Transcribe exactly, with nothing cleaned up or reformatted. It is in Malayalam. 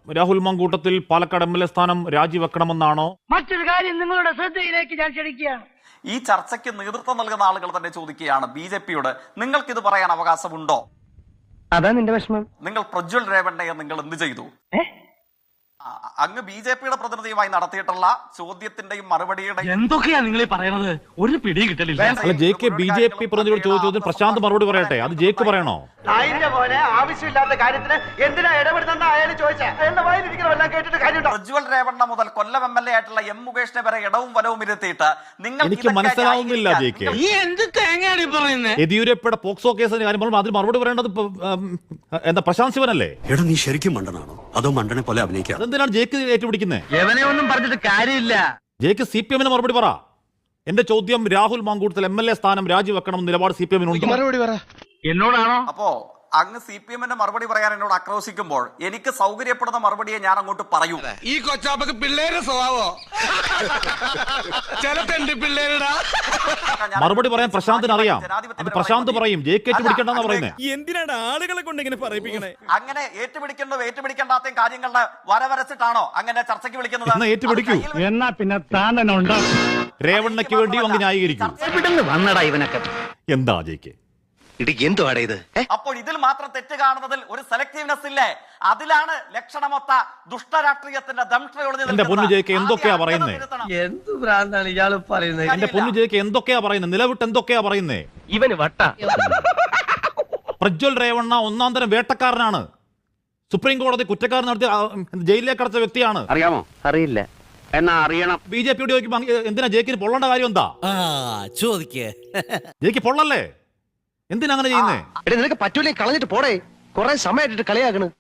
Rahul Mankoottathil Palakkad M L A സ്ഥാനം രാജിവെക്കണമെന്നാണോ? മറ്റൊരു കാര്യം നിങ്ങളുടെ ശ്രദ്ധയിലേക്ക് ഞാൻ ക്ഷണിക്കുകയാണ്. ഈ ചർച്ചയ്ക്ക് നേതൃത്വം നൽകുന്ന ആളുകൾ തന്നെ ചോദിക്കുകയാണ് ബി ജെ പിയോട്, നിങ്ങൾക്കിത് പറയാൻ അവകാശമുണ്ടോ? അതാ നിന്റെ വിഷമം. നിങ്ങൾ പ്രജ്വൽ രേവണ്ണയെ നിങ്ങൾ എന്ത് ചെയ്തു? അങ്ങ് ബി ജെ പിയുടെ പ്രതിനിധിയുമായി നടത്തിയിട്ടുള്ള ചോദ്യത്തിന്റെയും മറുപടിയുടെയും എന്തൊക്കെയാ നിങ്ങൾ പറയുന്നത്? ഒരു പിടിയും കിട്ടലില്ല. അല്ല, J K B J P പ്രതിനിധിയോട് ചോദിച്ചതിന് പ്രശാന്ത് മറുപടി പറയട്ടെ. അത് ജെക്ക് പറയണോ? അതിന്റെ പോലെ ആവശ്യമില്ലാത്ത കാര്യത്തിന് എന്തിനാ ഇടപെടുന്ന അയാൾ ചോദിച്ചാൽ അയാളുടെ വായിലിരിക്കണമെല്ലാം കേട്ടിട്ട് കാര്യമുണ്ടോ? പ്രജ്വൽ രേവണ്ണ മുതൽ കൊല്ലം എം എൽ എ ആയിട്ടുള്ള എം മുകേഷിനെ വരെ ഇടവും വലവും ഇരുത്തിയിട്ട് നിങ്ങൾ എനിക്ക് മനസ്സിലാവുന്നില്ല ജെ കെ. യെദ്യൂരപ്പയുടെ പോക്സോ കേസിന് കാര്യം പറയുമ്പോൾ അതിന് മറുപടി പറയേണ്ടത് എന്താ പ്രശാന്ത് ശിവനല്ലേ? എടാ നീ ശരിക്കും മണ്ടനാണോ അതോ മണ്ടനെ പോലെ അഭിനയിക്കാം? അതെന്തിനാണ് ജെക്ക് ഏറ്റുപിടിക്കുന്നത്? എവനെ ഒന്നും പറഞ്ഞിട്ട് കാര്യമില്ല. ജെക്ക് സി പി എമ്മിന് മറുപടി പറ. എന്റെ ചോദ്യം, Rahul Mankoottathil M L A സ്ഥാനം രാജിവെക്കണം നിലപാട് സി പി എമ്മിനുണ്ട്? മറുപടി പറ. എന്നോടാണോ? അപ്പോ അങ്ങ് സി പി എമ്മിന്റെ മറുപടി പറയാൻ എന്നോട് ആക്രോശിക്കുമ്പോൾ എനിക്ക് സൗകര്യപ്പെടുന്ന മറുപടിയെ ഞാൻ അങ്ങോട്ട് പറയൂ. ഈ കൊച്ചാപ്പക്ക് പിള്ളേരെ സ്വഭാവോ ചിലത്തെ പിള്ളേരുടെ മറുപടി പറയാൻ പ്രശാന്തിന് അറിയാം. അത് പ്രശാന്ത് പറയും. ജെക്ക് ഏറ്റുപിടിക്കണ്ടെന്നാ പറയുന്നത്. എന്തിനാണ് ആളുകളെ കൊണ്ട് ഇങ്ങനെ പറയിപ്പിക്കണേ? അങ്ങനെ ഏറ്റുപിടിക്കേണ്ടോ ഏറ്റുപിടിക്കേണ്ടാത്ത കാര്യങ്ങളുടെ വരവരച്ചിട്ടാണോ അങ്ങനെ ചർച്ചയ്ക്ക് വിളിക്കുന്നത്? എന്നാ ഏറ്റുപിടിക്കൂ. എന്നാ പിന്നെ താൻ തന്നെ ഉണ്ടാവും. രേവണ്ണയ്ക്ക് വേണ്ടി അങ്ങ് ന്യായീകരിക്കും. വന്നടാ ഇവനൊക്കെ. എന്താ ജെക്ക് എന്തുവാടേ ഇത്? അപ്പോൾ ഇതിൽ മാത്രം തെറ്റ് കാണുന്നതിൽ ഒരു സെലക്ടീവ്നെസ് ഇല്ലേ? അതിലാണ് ലക്ഷണമൊത്ത ദുഷ്ടരാഷ്ട്രീയത്തിന്റെ എന്റെ പൊന്നു ജെക്ക് എന്തൊക്കെയാ പറയുന്നേ? എന്ത് ഭ്രാന്താണ് ഇയാള് പറയുന്നത്? എന്റെ പൊന്നു ജെക്ക് എന്തൊക്കെയാ പറയുന്നത്? നിലവിട്ട് എന്തൊക്കെയാ പറയുന്നേ? ഇവന് വട്ട. പ്രജ്വൽ രേവണ്ണ ഒന്നാം തരം വേട്ടക്കാരനാണ്. സുപ്രീം കോടതി കുറ്റക്കാരൻ നടത്തി ജയിലിലേക്ക് അടച്ച വ്യക്തിയാണ്. അറിയാമോ? അറിയില്ല. എന്നാ അറിയണം. ബി ജെ പിയോട് ചോദിക്കുമ്പോ എന്തിനാ ജെക്കിന് പൊള്ളേണ്ട കാര്യം എന്താ? ചോദിക്കേ ജെക്ക് പൊള്ളല്ലേ? എന്തിനാ അങ്ങനെ ചെയ്യുന്നേ? നിനക്ക് പറ്റൂലേ കളഞ്ഞിട്ട് പോടേ. കുറെ സമയമായിട്ട് കളിയാക്കണ്.